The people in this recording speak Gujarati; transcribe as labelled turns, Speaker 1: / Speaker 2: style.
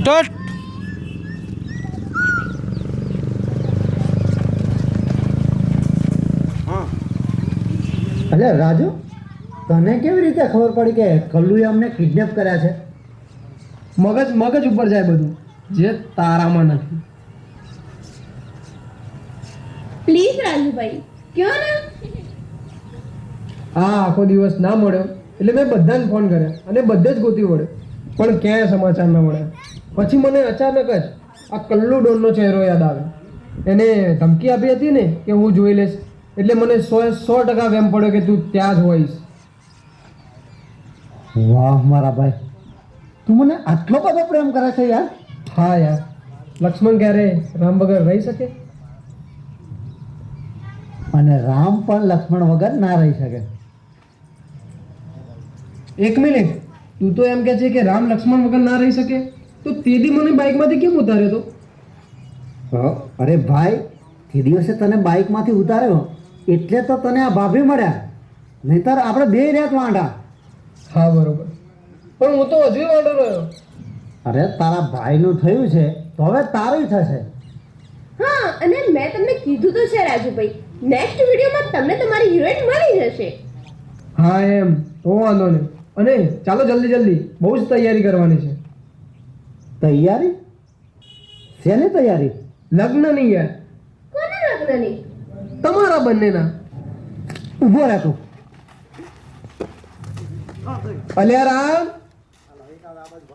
Speaker 1: સ્ટાર્ટ.
Speaker 2: અરે રાજુ, તને કેવી રીતે ખબર પડી કે કલ્લુએ અમને કિડનેપ કર્યા છે?
Speaker 3: મગજ ઉપર જાય બધું, જે તારામાં નથી.
Speaker 4: પ્લીઝ રાજુભાઈ, કયો ને.
Speaker 3: આ આખો દિવસ ના મળ્યો એટલે મેં બધાને ફોન કર્યા અને બધે જ ગોતી વળ્યો, પણ ક્યાંય સમાચાર ના મળ્યા. પછી મને અચાનક જ આ કલ્લુ ડોનનો ચહેરો યાદ આવ્યો. એને ધમકી આપી હતી ને કે હું જોઈ લઈશ, એટલે મને 100% વેમ પડ્યો કે તું ત્યાં જ હોઈશ.
Speaker 2: વાહ મારા ભાઈ, તું મને આટલો બધો પ્રેમ કરે છે યાર.
Speaker 3: હા યાર, લક્ષ્મણ ક્યારે રામ વગર રહી શકે?
Speaker 2: અને રામ પણ લક્ષ્મણ વગર ના રહી શકે.
Speaker 3: એક મિનિટ, તું તો એમ કહે છે કે રામ લક્ષ્મણ વગર ના રહી શકે, તો તે દી મને બાઇકમાંથી કેમ ઉતાર્યો તો?
Speaker 2: અરે ભાઈ, તે દિવસે તને બાઇકમાંથી ઉતાર્યો એટલે તો તને આ ભાભી મળ્યા, નહીતર આપણે બે રહ્યા વાંઢા.
Speaker 3: હા બરોબર, પણ હું તો હજુ વાંધો રહ્યો.
Speaker 2: અરે તારા ભાઈનું થયું છે તો હવે તારું થશે.
Speaker 4: હા, અને મેં તમને કીધું તો છે રાજુભાઈ, નેક્સ્ટ વિડીયોમાં તમને તમારી હિરોઈન મળી જશે.
Speaker 3: હા એમ તો વાંધો નહીં. અને ચાલો જલ્દી, બહુ જ તૈયારી કરવાની છે.
Speaker 2: તૈયારી? શેની તૈયારી?
Speaker 3: લગ્નની યાર,
Speaker 4: કોના લગ્નની?
Speaker 3: તમારા બંનેના.
Speaker 2: ઊભો રહે તું.
Speaker 3: અલ્યા રામ,